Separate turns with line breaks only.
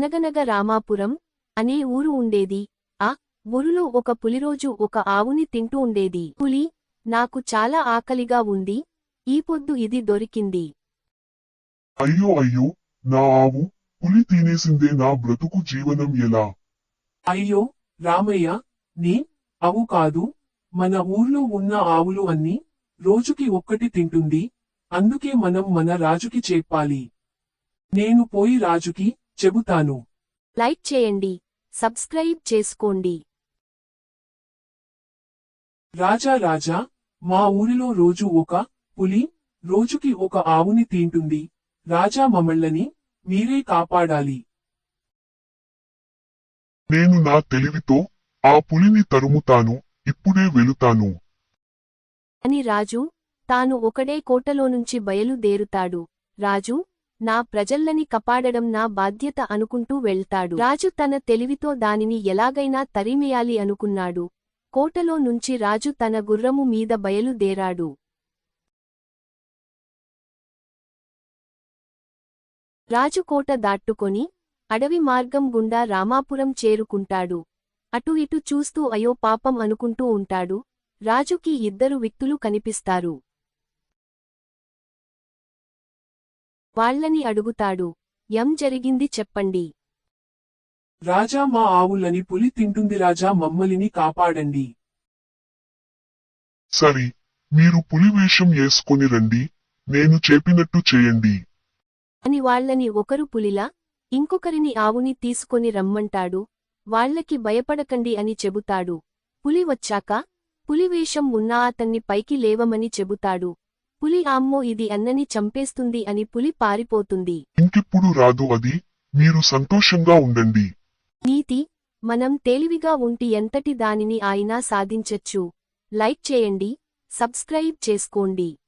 అనగనగ రామాపురం అనే ఊరు ఉండేది. ఆ ఊరులో ఒక పులిరోజు ఒక ఆవుని తింటూ ఉండేది. పులి, నాకు చాలా ఆకలిగా ఉంది, ఈ పొద్దు ఇది దొరికింది.
అయ్యో అయ్యో, నా ఆవు పులి తినేసిందే, నా బ్రతుకు జీవనం ఎలా?
అయ్యో రామయ్య, నీ ఆవు కాదు, మన ఊర్లో ఉన్న ఆవులు అన్ని రోజుకి ఒక్కటి తింటుంది, అందుకే మనం మన రాజుకి చెప్పాలి. నేను పోయి రాజుకి చెబుతాను.
లైక్ చేయండి, సబ్స్క్రైబ్ చేసుకోండి.
రాజా రాజా, మా ఊరిలో రోజు ఒక పులి రోజుకి ఒక ఆవుని తింటుంది. రాజా, మమ్మల్ని మీరే కాపాడాలి.
నేను నా తెలివితో ఆ పులిని తరుముతాను, ఇప్పుడే వెళుతాను.
అని రాజు తాను ఒకడే కోటలోనుంచి బయలుదేరుతాడు. రాజు, నా ప్రజల్లని కాపాడడం నా బాధ్యత అనుకుంటూ వెళ్తాడు. రాజు తన తెలివితో దానిని ఎలాగైనా తరిమేయాలి అనుకున్నాడు. కోటలో నుంచి రాజు తన గుర్రము మీద బయలుదేరాడు. రాజు కోట దాట్టుకొని అడవి మార్గం గుండా రామాపురం చేరుకుంటాడు. అటు ఇటు చూస్తూ అయో పాపం అనుకుంటూ ఉంటాడు. రాజుకి ఇద్దరు వ్యక్తులు కనిపిస్తారు. వాళ్ళని అడుగుతాడు, ఏం జరిగింది చెప్పండి.
రాజా, మా ఆవులని పులి తింటుంది, రాజా మమ్మల్ని కాపాడండి.
సరి, మీరు పులి వేషం వేసుకొని రండి, నేను చెప్పినట్టు చేయండి.
అని వాళ్ళని ఒకరు పులిలా, ఇంకొకరిని ఆవుని తీసుకొని రమ్మంటాడు. వాళ్ళకి భయపడకండి అని చెబుతాడు. పులి వచ్చాక పులివేషం ఉన్న అతన్ని పైకి లేవమని చెబుతాడు. పులి అమ్మో ఇది అన్నని చంపేస్తుంది అని పులి పారిపోతుంది.
ఇంకెప్పుడు రాదు అది, మీరు సంతోషంగా ఉండండి.
నీతి, మనం తేలివిగా ఉంటి ఎంతటి దానిని అయినా సాధించచ్చు. లైక్ చేయండి, సబ్స్క్రైబ్ చేసుకోండి.